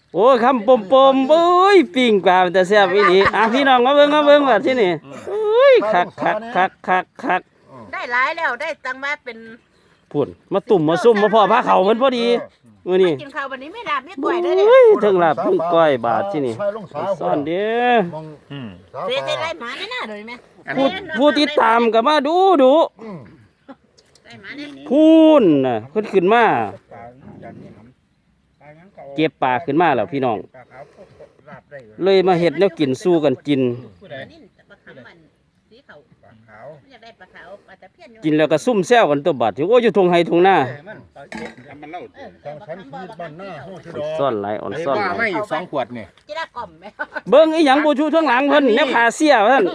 โอ้คำปมเอ้ยปิ้งปลาแต่แซ่บอีหลีพี่น้องมาเบิ่งว่าที่นี่เอ้ยคักได้หลายแล้วได้ตังมาเป็นพุ่นมาตุ่มมาซุ่มมาพ่อพาเขามันพอดีมื้อนี้กินข้าววันนี้ไม่ลาบไม่ก่อยเลยเด้ทั้งลาบทั้งก้อยบาทที่นี่ซ่อนเด้อเสียไรหมาแน่ๆเลยแม่ผู้ติดตามก็มาดูไรหมาเนี่ยพูนน่ะขึ้นมาเก็บปลาขึ้นมาแล้วพี่น้องเลยมาเฮ็ดแนวกินสู้กันกินกินแล้วก็ซุ่มแซวกันตัวบาดโอ้อยู่ทงไห้ทงหน้าซ่อนไหลอ่อนซ่อนไม่2 ขวดนี่เบิ่งอีหยังบ่ชูข้างหลังเพิ่นแนวขาเสียเพิ่น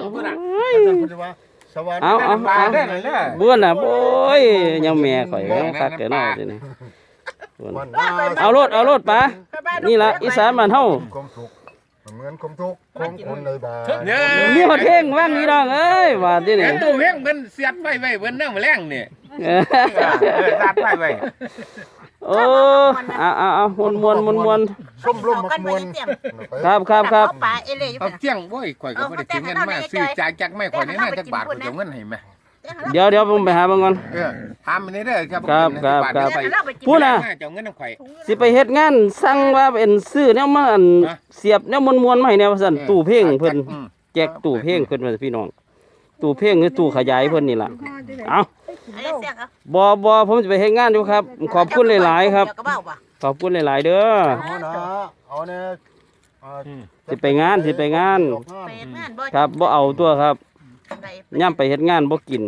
เอาเบื่อน่ะโอ้ยยังแม่ข่อยคักแก่น้อจังนี่เอารถปะนี่ล่ะอีสานบ้านเฮาเหมือนคมทุกของคนในบ้านมีฮอดเพลงว่างนี่น้องเอ้ยว่าที่นี่ตู้เพลงเพิ่นเสียดไว้เพิ่นนั่งแมลงนี่ตัดไว้โอ้เอามวนส้มลมมักมวนครับปลาเอเล่อยู่เอาเที่ยงโว้ยข่อยก็บ่ได้ถึงเงินมาซื้อจากไม่ข่อยนี่น่าจักบาทข่อยจะเงินให้แม่เดี๋ยวผมไปหาเบิ่งก่อนถามนี่เด้อครับพูดน่ะเจ้าเงินข่อยสิไปเฮ็ดงานสั่งว่าเป็นซื้อแนวมาอันเสียบแนวมวนๆมาให้แนวว่าซั่นตู้เพลงเพิ่นแจกตู้เพลงเพิ่นว่าพี่น้องตู้เพลงหรือตู้ขยายเพิ่นนี่ล่ะเอาบ่ผมจะไปเฮ็ดงานอยู่ครับขอบคุณหลายๆครับขอบคุณหลายๆเด้อเอาแน่สิไปงานครับบ่เอาตัวครับย่ำไปเฮ็ดงานบ่กิน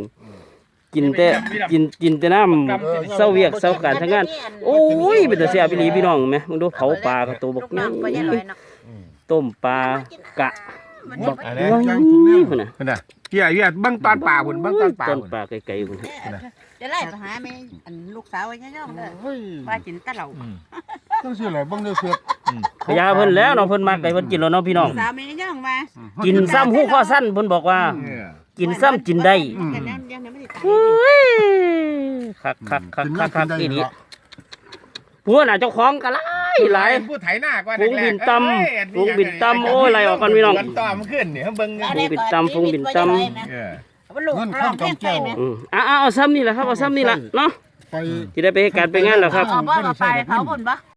แต่น้ำเศร้าเวียกเศร้าการทั้งงานโอ้ยเป็นแต่แซ่บอีหลีพี่น้องแม่มึงดูเผาปลากับตัวบักยังต้มปลากะบักยังพุ่นน่ะเหี้ยบังตอนปลาพุ่นบังตอนปลาต้นปลาไกลๆพุ่นจะไล่ไปหาแม่อันลูกสาวไว้ย่องๆเด้อว่ากินตะเหล่าต้องสิอะไรบังเด้อเสียบขยาเพิ่นแล้วเนาะเพิ่นมักไก่เพิ่นกินแล้วเนาะพี่น้องสาวแม่ย่องมากินซ้ำหู้ข้อสั้นเพิ่นบอกว่ากินซ้ำกินได้คักอีนี่พวกน่ะเจ้าของก็หลายผู้ไถหน้าก็ฝูงบินตำโอ้ยไหลออกกันพี่น้องต่อมันขึ้นนี่เบิ่งฝูงบินตำมันข้ามกำแก้วเอาซ้ำนี่แหละครับเอาซ้ำนี่แหละเนาะที่ได้ไปการไปงานแล้วครับเอาบ่ไปเผาบุญบ่